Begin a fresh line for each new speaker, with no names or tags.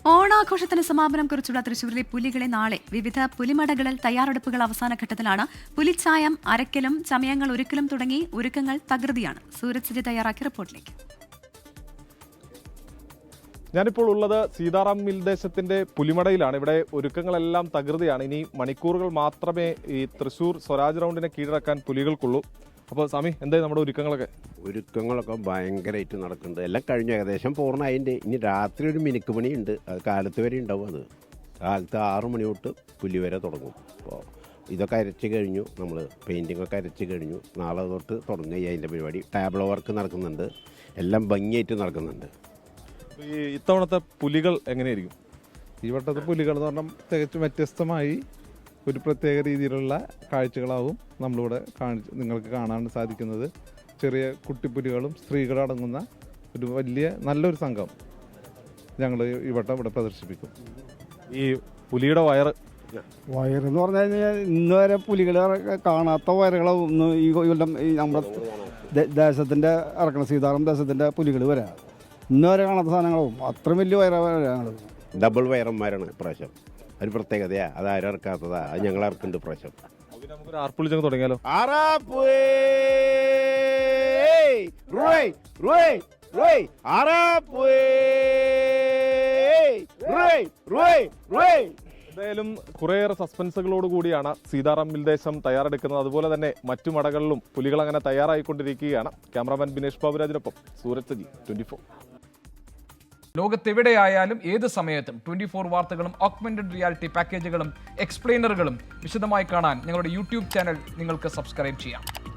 ഓണാഘോഷത്തിന് സമാപനം കുറിച്ചുള്ള തൃശൂരിലെ പുലികളെ നാളെ വിവിധ പുലിമടകളിൽ തയ്യാറെടുപ്പുകൾ അവസാന ഘട്ടത്തിലാണ്. പുലിച്ചായം അരക്കലും ചമയങ്ങൾ ഒരുക്കലും തുടങ്ങി ഒരുക്കങ്ങൾ തകൃതിയാണ്. സൂരജ് സജി തയ്യാറാക്കിയ റിപ്പോർട്ടിലേക്ക്.
ഞാനിപ്പോൾ ഉള്ളത് സീതാറാം മിൽദേശത്തിന്റെ പുലിമടയിലാണ്. ഇവിടെ ഒരുക്കങ്ങളെല്ലാം തകൃതിയാണ്. ഇനി മണിക്കൂറുകൾ മാത്രമേ ഈ തൃശൂർ സ്വരാജ് റൗണ്ടിനെ കീഴടക്കാൻ പുലികൾക്കുള്ളൂ. അപ്പോൾ സ്വാമി, എന്തായി നമ്മുടെ
ഒരുക്കങ്ങളൊക്കെ ഭയങ്കരമായിട്ട് നടക്കുന്നുണ്ട്. എല്ലാം കഴിഞ്ഞു, ഏകദേശം പൂർണ്ണമായിട്ടുണ്ട്. ഇനി രാത്രി ഒരു മിനുക്ക് പണിയുണ്ട്, അത് കാലത്ത് വരെ ഉണ്ടാവും. അത് കാലത്ത് 6 മണി തൊട്ട് പുലി വരെ തുടങ്ങും. അപ്പോൾ ഇതൊക്കെ അരച്ച് കഴിഞ്ഞു, നമ്മൾ പെയിൻറ്റിങ്ങൊക്കെ അരച്ച് കഴിഞ്ഞു. നാളെ തൊട്ട് തുടങ്ങുക അതിൻ്റെ പരിപാടി. ടാബ്ലോ വർക്ക് നടക്കുന്നുണ്ട്, എല്ലാം ഭംഗിയായിട്ട് നടക്കുന്നുണ്ട്.
ഈ ഇത്തവണത്തെ പുലികൾ എങ്ങനെയായിരിക്കും?
ഈ വട്ടത്തെ പുലികൾ എന്ന് പറഞ്ഞാൽ തികച്ചും വ്യത്യസ്തമായി ഒരു പ്രത്യേക രീതിയിലുള്ള കാഴ്ചകളാവും നമ്മളിവിടെ നിങ്ങൾക്ക് കാണാൻ സാധിക്കുന്നത്. ചെറിയ കുട്ടിപ്പുലികളും സ്ത്രീകളും അടങ്ങുന്ന ഒരു നല്ലൊരു സംഘം ഞങ്ങൾ ഈ വട്ടം ഇവിടെ പ്രദർശിപ്പിക്കും.
ഈ പുലിയുടെ
വയറെന്ന് പറഞ്ഞു കഴിഞ്ഞാൽ ഇന്ന് വരെ പുലികൾ കാണാത്ത വയറുകളാവും ഈ കൊല്ലം നമ്മുടെ ദേശത്തിൻ്റെ ഇറക്കണം. സീതാറാം ദേശത്തിൻ്റെ പുലികൾ വരാം. ഇന്ന് വരെ കാണാത്ത സാധനങ്ങളാവും. അത്ര വലിയ വയറാണ്.
ഡബിൾ വയറന്മാരാണ് ഇപ്രാവശ്യം. ഒരു പ്രത്യേകതയാ, അത് ആരും ഇറക്കാത്തതാ, അത് ഞങ്ങൾ ഇറക്കുന്നുണ്ട് ഇപ്രാവശ്യം.
നമുക്കൊരു ആർപ്പുളിച്ചങ്ങ് തുടങ്ങിയാലോ? എന്തായാലും കുറേയേറെ സസ്പെൻസുകളോട് കൂടിയാണ് സീതാറാം മിൽദേശം തയ്യാറെടുക്കുന്നത്. അതുപോലെ തന്നെ മറ്റു മടകളിലും പുലികൾ അങ്ങനെ തയ്യാറായിക്കൊണ്ടിരിക്കുകയാണ്. ക്യാമറാമാൻ ബിനേഷ് ബാബുരാജിനൊപ്പം സൂരജ് സജി, 24.
ലോകത്തെവിടെയായാലും ഏത് സമയത്തും 24 വാർത്തകളും ഓഗ്മെന്റഡ് റിയാലിറ്റി പാക്കേജുകളും എക്സ്പ്ലെയിനറുകളും വിശദമായി കാണാൻ ഞങ്ങളുടെ യൂട്യൂബ് ചാനൽ നിങ്ങൾക്ക് സബ്സ്ക്രൈബ് ചെയ്യാം.